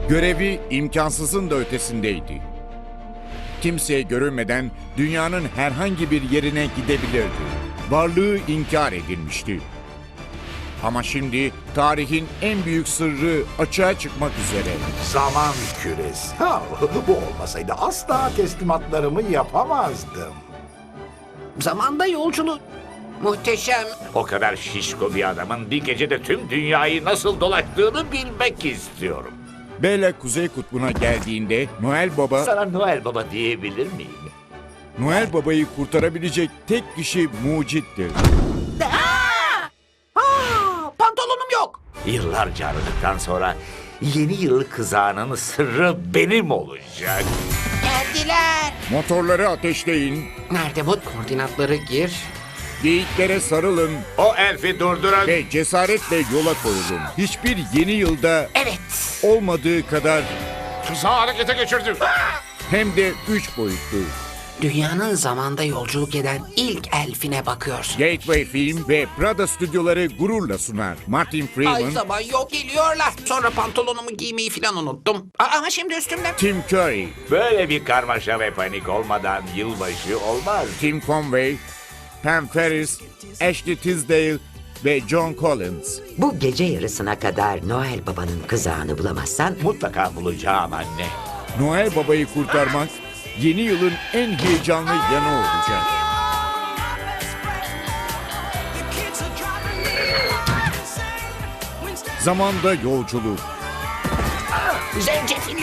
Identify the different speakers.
Speaker 1: Görevi imkansızın da ötesindeydi. Kimseye görünmeden dünyanın herhangi bir yerine gidebilirdi. Varlığı inkar edilmişti. Ama şimdi tarihin en büyük sırrı açığa çıkmak üzere.
Speaker 2: Zaman küresi. Bu olmasaydı asla teslimatlarımı yapamazdım.
Speaker 3: Zamanda yolculuğu. Muhteşem.
Speaker 4: O kadar şişko bir adamın bir gecede tüm dünyayı nasıl dolaştığını bilmek istiyorum.
Speaker 1: Bella Kuzey Kutbu'na geldiğinde Noel Baba,
Speaker 4: Sana Noel Baba diyebilir miyim?
Speaker 1: Noel Baba'yı kurtarabilecek tek kişi mucittir.
Speaker 3: Pantolonum yok.
Speaker 4: Yıllarca aradıktan sonra yeni yıl kızağının sırrı benim olacak.
Speaker 3: Geldiler.
Speaker 1: Motorları ateşleyin,
Speaker 3: Nerede bu? Koordinatları gir.
Speaker 1: geyiklere sarılın
Speaker 4: O elfi durdurun.
Speaker 1: ve cesaretle yola koyulun. Hiçbir yeni yılda
Speaker 3: Evet.
Speaker 1: olmadığı kadar
Speaker 4: Kızağı harekete geçirdim.
Speaker 1: hem de 3 boyutlu.
Speaker 3: Dünyanın zamanda yolculuk eden ilk elfine bakıyorsun.
Speaker 1: Gateway Film ve Prada stüdyoları gururla sunar. Martin
Speaker 3: Ay
Speaker 1: Freeman,
Speaker 3: zaman yok geliyorlar. Sonra pantolonumu giymeyi falan unuttum. Ama şimdi üstümde.
Speaker 1: Tim Curry,
Speaker 4: Böyle bir karmaşa ve panik olmadan yılbaşı olmaz.
Speaker 1: Tim Conway, Pam Ferris, Ashley Tisdale ve John Collins.
Speaker 5: Bu gece yarısına kadar Noel Baba'nın kızağını bulamazsan
Speaker 4: Mutlaka bulacağım anne.
Speaker 1: Noel Baba'yı kurtarmak yeni yılın en heyecanlı yanı olacak. Zamanda yolculuk.
Speaker 3: Zencefilli